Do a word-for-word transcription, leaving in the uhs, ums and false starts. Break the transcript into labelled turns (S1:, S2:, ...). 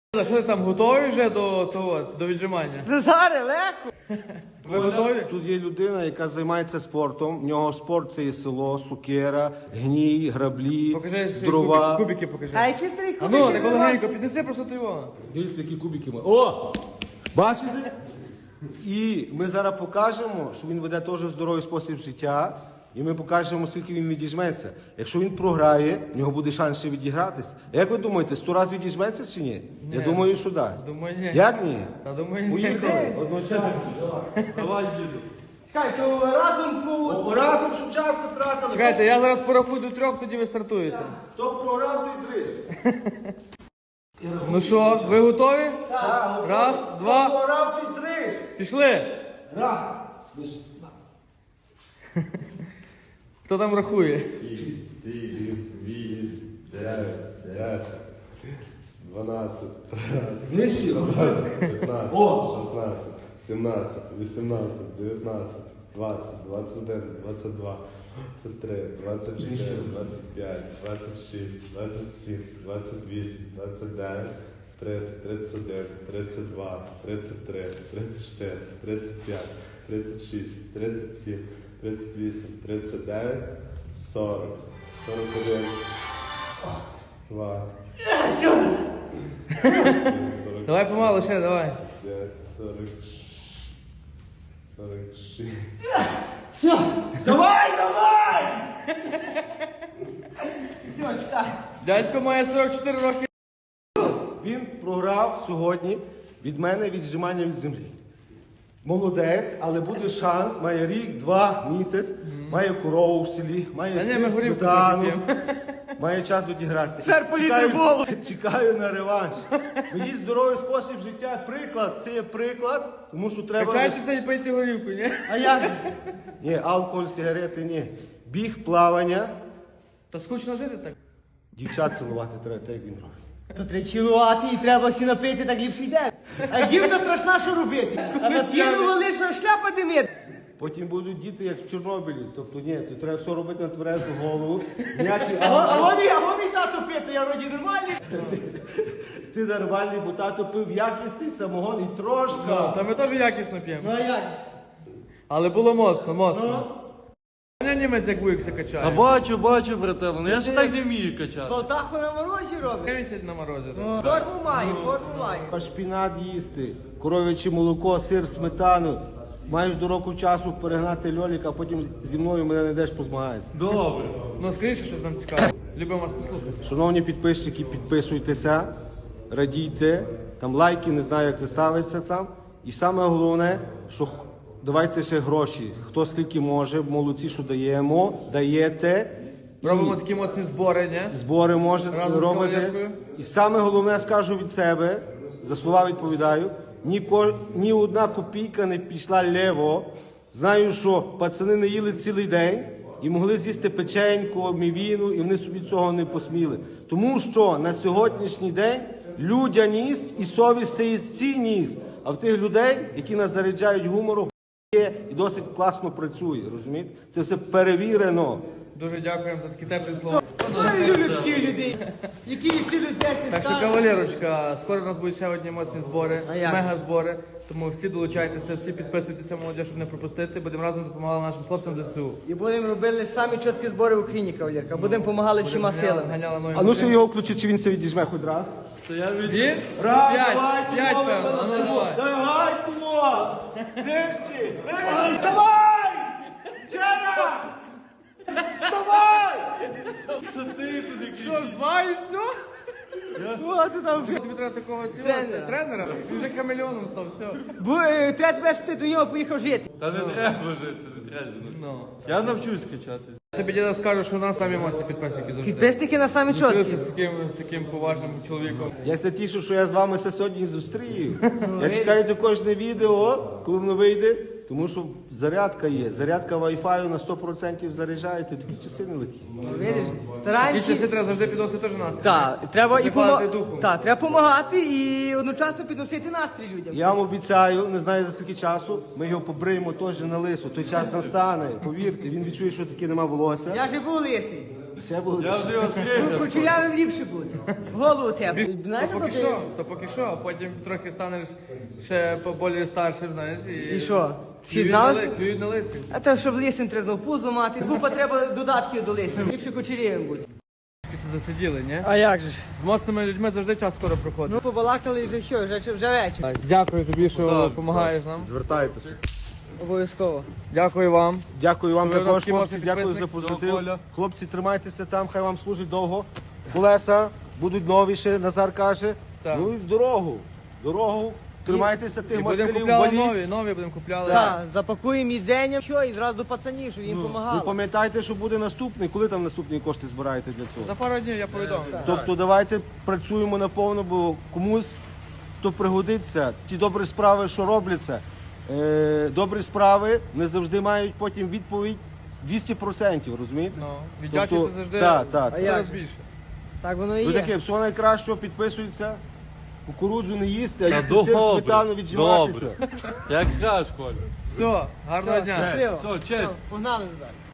S1: А що ти там, готові вже до того, до віджимання?
S2: Зараз легко.
S1: Ви готові?
S3: Тут є людина, яка займається спортом. В нього спорт це є село, сукера, гній, граблі,
S1: Покажи свої
S3: дрова.
S1: кубики, кубики покажи.
S2: А які старі
S1: А
S2: кубики?
S1: ну, так легенько, піднеси просто ти його.
S3: Дивіться, які кубики ми. О! Бачите? І ми зараз покажемо, що він веде теж здоровий спосіб життя. І ми покажемо, скільки він відіжметься. Якщо він програє, в нього буде шанс ще відігратись. Як ви думаєте, сто разів відіжметься чи ні?
S1: Ні.
S3: Я думаю, що дасть.
S1: Думаю, ні.
S3: Як ні?
S1: Та думаю, ні.
S3: Поїхали. Одночасно. Давай, діду.
S2: Чекай, то разом по...
S3: Разом, щоб час не тратили.
S1: Чекайте, я зараз порахую до трьох, тоді ви стартуєте.
S3: Хто програв, той тричі.
S1: Ну що, ви готові?
S3: Так.
S1: Раз, два,
S3: Хто програв, той тричі.
S1: пішли.
S3: Раз.
S1: Хто там рахує?
S4: шість, сім, вісім, дев'ять, десять, дванадцять,
S3: Нижче.
S4: п'ятнадцять, шістнадцять, сімнадцять, вісімнадцять, дев'ятнадцять, двадцять, двадцять один, двадцять два, двадцять три, двадцять чотири, двадцять п'ять, двадцять шість, двадцять сім, двадцять вісім, двадцять дев'ять, тридцять, тридцять один, тридцять два, тридцять три, тридцять чотири, тридцять п'ять, тридцять шість, тридцять сім, тридцять вісім, тридцять дев'ять, сорок, сорок один, два, сорок
S1: Давай помалу ще, давай.
S4: п'ять, сорок шість, сорок шість.
S2: Все, давай, давай! Все, чекай.
S1: Дядько має сорок чотири роки.
S3: Він програв сьогодні від мене віджимання від землі. Молодець, але буде шанс, має рік, два, місяць, має корову в селі, має
S1: Та ні,
S3: сир,
S1: ми горілку
S3: сметану,
S1: трохи п'ємо.
S3: має час відігратися.
S2: Тепер політи
S3: Чекаю-
S2: голову.
S3: Чекаю на реванш. Ведіть здоровий спосіб життя, приклад, це є приклад, тому що треба...
S1: Качайтеся і пийте горілку, ні?
S2: А як?
S3: Ні, алкоголь, сигарети, ні. Біг, плавання,
S1: Та скучно жити так.
S3: дівчат цілувати треба, так як він робить.
S2: То треба чилувати і треба всі напити, так ліпше йде. А дівка страшна, що робити? А нап'янували, що шляпа димить.
S3: Потім будуть діти, як в Чорнобилі. Тобто, ні, то треба все робити на тверезу голову. Ніякі
S2: А го- а го мій, а го мій тато пити, я вроді нормальний.
S3: ти нормальний, бо тато пив якісний самогон і
S1: Ну,
S3: трошка.
S1: та ми теж якісно п'ємо.
S2: Ну а як?
S1: Але було моцно, моцно. Мене німець як вуїкся качає.
S5: А бачу, бачу, брателло, ну я ж так не вмію качати.
S2: Полтаху на морозі робить.
S1: Висять на морозі. так.
S2: Ну, форму має, форму має.
S3: А шпінат їсти, коров'яче молоко, сир, сметану. Маєш до року часу перегнати льоліка, а потім зі мною мене не йдеш позмагаєшся.
S5: Добре.
S1: Ну, скоріше, щось нам цікаве. Любимо вас послухати.
S3: Шановні підписчики, підписуйтеся, радійте, там лайки, не знаю, як це ставиться там. І саме головне, що х- давайте ще гроші. Хто скільки може, молодці, що даємо, даєте. І
S1: Робимо такі моцні збори, ні?
S3: збори можете
S1: Разом з
S3: робити.
S1: кавалеркою.
S3: І саме головне скажу від себе, за слова відповідаю, ні, ко- ні одна копійка не пішла лево. Знаю, що пацани не їли цілий день і могли з'їсти печеньку, мівіну, і вони собі цього не посміли. Тому що на сьогоднішній день людяність і совість це є цінність. А в тих людей, які нас заряджають гумором, є і досить класно працює, розумієте? Це все перевірено.
S1: Дуже дякуємо за такі теплі слова.
S2: Ой, люблю таких людей, які ще люстерці
S1: Так що,
S2: стали.
S1: кавалерочка, скоро у нас будуть ще одні моцні збори,
S2: А як?
S1: мега-збори. Тому всі долучайтеся, всі підписуйтеся, молодь, щоб не пропустити. Будемо разом допомагати нашим хлопцям ЗСУ.
S2: І будемо робити самі чіткі збори в Україні, кавалерка. Будемо допомагали всіма силами.
S1: Ганяла нові
S3: А ну ще
S1: машини.
S3: його включи, чи він це відіжме хоч раз.
S5: То я від...
S1: Він?
S3: Раз,
S1: П'ять,
S3: давай,
S1: п'ять,
S3: давай,
S1: певно. А ну, давай.
S3: Давай, Тимо! Нижче! Нижче! Давай! Ще раз! Давай!
S1: Що, два і все?
S2: Ну, а ти там вже.
S1: Тобі треба такого цього
S2: Тренера.
S1: тренера? Він вже хамелеоном став, все.
S2: Бо е, треба тебе, щоб ти до нього поїхав жити.
S5: Та не треба жити, не треба зі мною.
S1: Ну.
S5: Я навчусь качати.
S1: Я тобі діда скажу, що у нас самі моцні підписники завжди.
S2: Підписники на самі
S1: Зустрілися
S2: чіткі.
S1: з таким, з таким поважним чоловіком.
S3: Я ся тішу, що я з вами все сьогодні зустрію. Я чекаю до кожне відео, коли воно вийде, тому що зарядка є. Зарядка Wi-Fi на сто відсотків заряджаєте, такі часи нелегкі.
S2: Видиш,
S1: Ті
S2: стараємося.
S1: часи треба завжди підносити теж настрій.
S2: Так, треба і
S1: Не падати
S2: помо-
S1: духом.
S2: Так, треба допомагати і одночасно підносити настрій людям.
S3: Я вам обіцяю, не знаю за скільки часу, ми його побриємо теж на лису. Той час настане, повірте, він відчує, що таке нема волосся.
S2: Я живу лисий.
S3: Ще буде.
S5: Я вже його стрігав.
S2: Кучерявим ліпше бути. Голову тебе. Знаєш,
S1: То поки
S2: що?
S1: що, то поки що, а потім трохи станеш ще поболі старшим, знаєш, і...
S2: І що?
S1: Клюють на,
S2: Сіднався?
S1: ли- клюють на лисі.
S2: А то, щоб лисин треба знов пузо мати, купа треба додатків до лисин. Ліпше кучерявим бути.
S1: Всі засиділи, ні?
S2: А як же ж?
S1: З моцними людьми завжди час скоро проходить.
S2: Ну, побалакали вже що, вже, вже вечір.
S1: Так, дякую тобі, що допомагаєш нам.
S4: Звертайтеся.
S2: Обов'язково.
S1: Дякую вам.
S3: Дякую вам
S1: Ви
S3: також,
S1: роскі
S3: хлопці,
S1: моцні
S3: дякую за
S1: підписники,
S3: позитив.
S1: Коля.
S3: Хлопці, тримайтеся там, хай вам служить довго. Колеса будуть новіші, Назар каже.
S1: Так.
S3: Ну і в дорогу. В Дорогу. Тримайтеся
S1: І
S3: тих
S1: будемо
S3: москалів,
S1: купляли
S3: валіть.
S1: нові, нові будемо купляли.
S2: Так, запакуємо їдзення, що, і зразу до пацанів, щоб їм
S3: Ви
S2: допомагали.
S3: пам'ятайте, що буде наступний. Коли там наступні кошти збираєте для цього?
S1: За пару днів я повідомлю.
S3: Тобто давайте працюємо наповно, бо комусь то пригодиться. Ті добрі справи, що робляться, е, добрі справи не завжди мають потім відповідь двісті відсотків, розумієте?
S1: Ну, віддячиться
S3: Тобто,
S1: завжди
S3: так, так.
S2: А як
S1: зараз
S2: же?
S1: більше.
S2: Так воно і
S3: Ну
S2: є.
S3: таке, все найкращого, підписується. Кукурудзу не їсти, а
S5: Та
S3: їсти сир,
S5: добре,
S3: сметану, віджиматися.
S5: добре. Як скажеш, Коля.
S1: Все, гарного
S2: Все,
S1: дня.
S2: щасливо.
S5: Все, честь.
S2: Погнали, Назар.